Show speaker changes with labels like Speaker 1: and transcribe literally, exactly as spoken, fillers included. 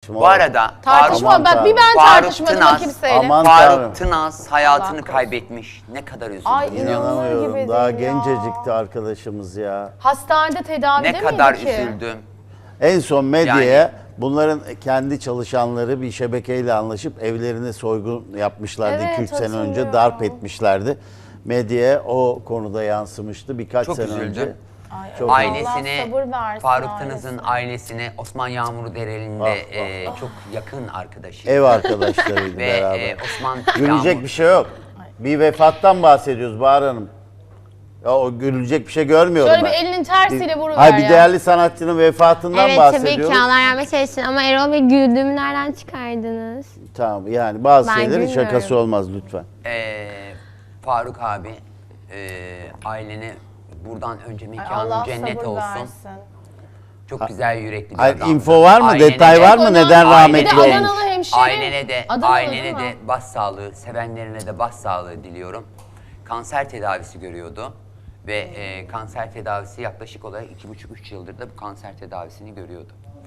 Speaker 1: gitme.
Speaker 2: Bu arada
Speaker 3: Tartışma
Speaker 1: Aman
Speaker 3: bak bir ben
Speaker 2: Faruk
Speaker 3: tartışmadım
Speaker 2: Tınaz,
Speaker 3: da kimseyle.
Speaker 1: aman Tanrım.
Speaker 2: Faruk Tınaz hayatını
Speaker 3: Allah korusun.
Speaker 2: kaybetmiş. Ne kadar üzüldüm.
Speaker 3: Ay,
Speaker 2: biliyor musun?
Speaker 1: İnanamıyorum.
Speaker 3: gibi
Speaker 1: Daha
Speaker 3: değil ya.
Speaker 1: gencecikti arkadaşımız ya.
Speaker 3: Hastanede tedavide
Speaker 2: Ne kadar
Speaker 3: miydi ki?
Speaker 2: üzüldüm.
Speaker 1: En son medyaya
Speaker 2: Yani-
Speaker 1: bunların kendi çalışanları bir şebekeyle anlaşıp evlerine soygun yapmışlardı.
Speaker 3: Evet,
Speaker 1: iki üç sene önce
Speaker 3: hatırlıyorum.
Speaker 1: darp etmişlerdi. Medyaya o konuda yansımıştı birkaç
Speaker 2: Çok
Speaker 1: sene
Speaker 2: üzüldüm.
Speaker 1: önce.
Speaker 3: Ay,
Speaker 1: Çok-
Speaker 3: Allah
Speaker 2: Ailesine,
Speaker 3: sabır versin
Speaker 2: Faruk
Speaker 3: ailesine.
Speaker 2: Tınaz'ın ailesine Osman Yağmur Dereli'nde
Speaker 1: Ah,
Speaker 2: e, çok yakın arkadaşı.
Speaker 1: Ev arkadaşlarıydı
Speaker 2: Ve
Speaker 1: beraber.
Speaker 2: e, Osman
Speaker 1: Gülecek
Speaker 2: Yağmur-
Speaker 1: bir şey yok. Bir vefattan bahsediyoruz Bahar Hanım. Ya o gülecek bir şey görmüyorum
Speaker 3: Şöyle
Speaker 1: ben.
Speaker 3: bir elinin tersiyle vuruver
Speaker 1: Hayır bir
Speaker 3: ya.
Speaker 1: değerli sanatçının vefatından
Speaker 4: Evet tabii
Speaker 1: bahsediyoruz.
Speaker 4: ki Allah rahmet eylesin ama Erol Bey güldüğümü nereden çıkardınız?
Speaker 1: Tamam yani bazı
Speaker 4: Ben
Speaker 1: şeylerin
Speaker 4: gülmüyorum.
Speaker 1: şakası olmaz lütfen.
Speaker 2: e, Faruk abi e, ailene buradan önce
Speaker 3: Ay,
Speaker 2: mekanın
Speaker 3: Allah
Speaker 2: cennet
Speaker 3: sabır
Speaker 2: olsun.
Speaker 3: versin.
Speaker 2: Çok güzel yürekli bir
Speaker 1: Hayır,
Speaker 2: adamdı.
Speaker 1: info var mı?
Speaker 2: Ailene
Speaker 1: Detay
Speaker 2: de-
Speaker 1: var mı?
Speaker 3: Ona-
Speaker 1: Neden
Speaker 3: Bir
Speaker 1: rahmetli
Speaker 3: de
Speaker 1: olmuş?
Speaker 3: Adanalı hemşire.
Speaker 2: Ailene de,
Speaker 3: Adanalı
Speaker 2: ailene
Speaker 3: değil
Speaker 2: de
Speaker 3: mi?
Speaker 2: baş sağlığı, sevenlerine de baş sağlığı diliyorum. Kanser tedavisi görüyordu ve e, kanser tedavisi yaklaşık olarak iki buçuk üç yıldır da bu kanser tedavisini görüyordu.